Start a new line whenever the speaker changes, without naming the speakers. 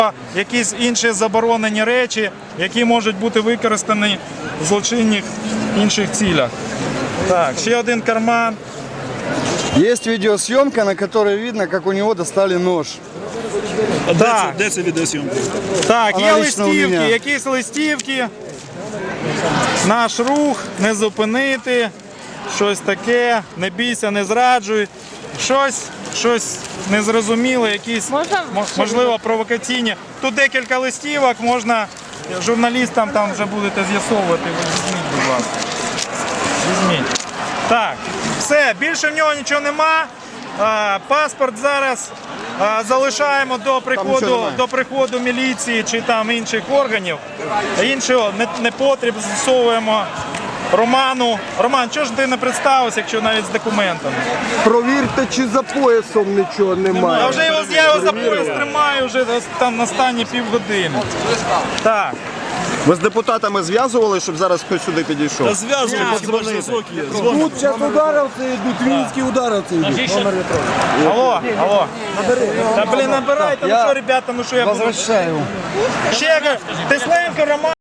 якісь інші заборонені речі, які можуть бути використані в злочинних інших цілях. Так, ще один карман.
Есть видеосъемка, на которой видно, как у него достали нож.
Так,
Де це відеосйомка?
так, є
Аналогічно у
листівки,
мене.
якісь листівки. Наш рух, не зупинити, щось таке, не бійся, не зраджуй. Щось незрозуміле, якісь, можливо, провокаційні. Тут декілька листівок, можна журналістам там вже будете з'ясовувати. Ви візьміть, будь ласка. Візьміть. Так, все, більше в нього нічого нема. Паспорт зараз залишаємо до приходу міліції чи там інших органів. Іншого не потрібно, з'ясовуємо Роману. Роман, чого ж ти не представився, якщо навіть з документами?
Провірте, чи за поясом нічого немає.
Я його за пояс тримаю вже там останні півгодини. Так.
Ви з депутатами зв'язували, щоб зараз хтось сюди підійшов?
Та зв'язуємо, хіба ж зв'язок є.
Тут зараз ударовці йдуть, вінські ударовці йдуть.
Алло. Та блін, набирайте, ну що, ребята, ну що я буду?
Возвращаю.
Ще Тесленко, Роман.